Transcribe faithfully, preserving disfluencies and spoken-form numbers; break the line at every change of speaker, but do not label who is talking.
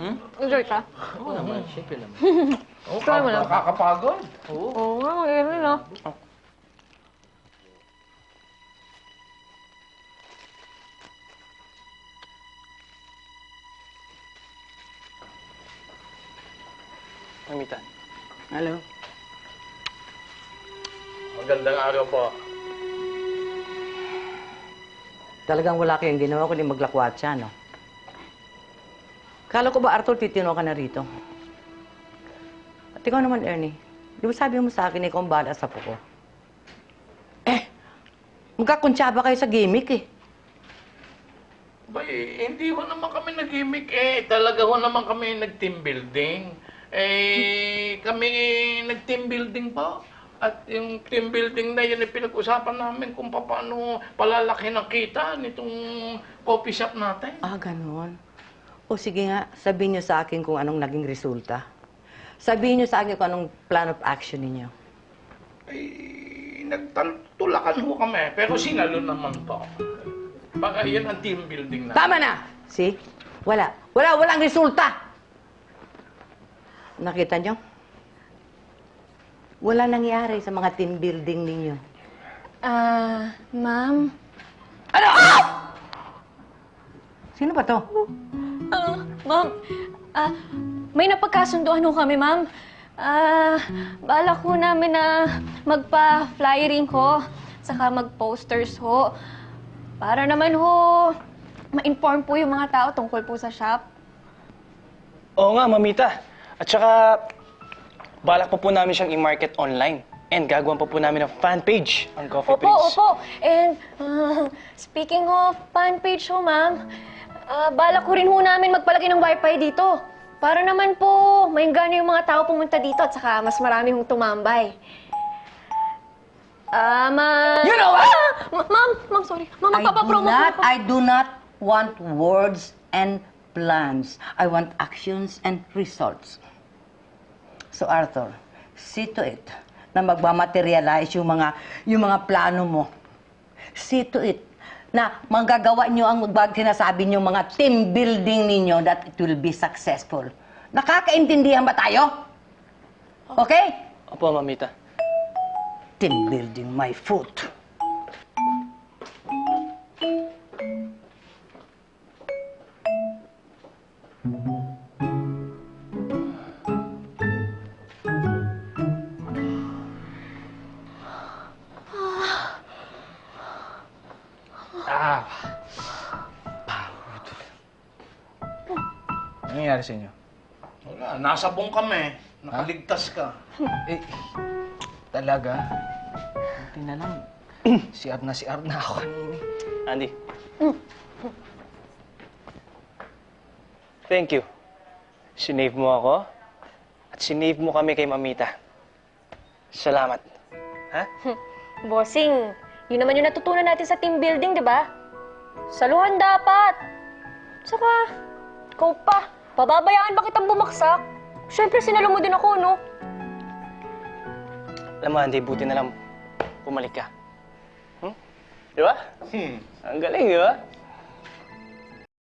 Hmm?
Enjoy ka?
Oo naman, siyempre naman.
Oh,
Try mo lang.
Nakakapagod.
Oo.
Oo nga, mag-irin no?
Mamita.
Hello?
Magandang araw po.
Talagang wala kayong ginawa kundi maglakwatsa, no? Kala ko ba, Arthur, titino ka na rito? At ikaw naman, Ernie, di ba sabi mo sa akin ikaw ang bahala sa puko? Eh, magkakuntsaba kayo sa gimmick eh.
Bay, hindi ho naman kami nag-gimmick eh. Talaga ho naman kami nag-team building. Eh, kami nag-team building pa. At yung team building na yun, ay pinag-usapan namin kung paano palalaki ng kita nitong coffee shop natin.
Ah, ganun. O sige nga, sabihin niyo sa akin kung anong naging resulta. Sabihin niyo sa akin kung anong plan of action ninyo.
Eh, nagtutulakan ho kami. Pero sinalo naman to. Baka yan ang team building na.
Tama na! See? Wala. Wala, walang resulta! Nakita niyo? Wala nangyari sa mga team building ninyo.
Ah, ma'am.
Ano? Ah! Sino ba to?
Ah, ma'am. Ah, may napagkasunduan ho kami, ma'am. Ah, balak ho namin na magpa-flyering ho, saka mag-posters ho. Para naman ho, ma-inform po yung mga tao tungkol po sa shop.
Oo nga, Mamita. At saka, balak pa po namin siyang i-market online. And gagawan pa po namin ng fan page ang coffee
Opo,
page.
opo. And ah, speaking of fan page ho, ma'am, ah, balak ko rin ho namin magpalagay ng wifi dito. Para naman po, maingganyo yung mga tao pumunta dito at saka mas marami hong tumambay. Ah, ma...
You know what?
Ah! Ma- Ma'am, ma'am, sorry. Ma'am,
I do
magpapapromo
not,
po.
I do not want words and plans. I want actions and results. So Arthur, see to it na magmamaterialize yung mga, yung mga plano mo. See to it na magagawa nyo ang magbag sinasabi nyo mga team building ninyo that it will be successful. Nakakaintindihan ba tayo? Okay?
Opo, Mamita.
Team building my foot.
Ah.
Ano nangyayari sa inyo?
Wala, nasabong kami. Nakaligtas ka.
Eh, talaga? Buti na lang. Si R na si R na ako kanini.
Andy. Thank you. Sinave mo ako. At sinave mo kami kay Mamita. Salamat. Ha?
Bossing, yun naman yung natutunan natin sa team building, di ba? Saluhan dapat. Saka, ikaw pa. Pababayaan ba kitang bumaksak? Siyempre, sinalo mo din ako, no?
Alam mo, Andy, buti na lang bumalik ka. Hmm? Di ba?
Hmm.
Ang galing, di ba?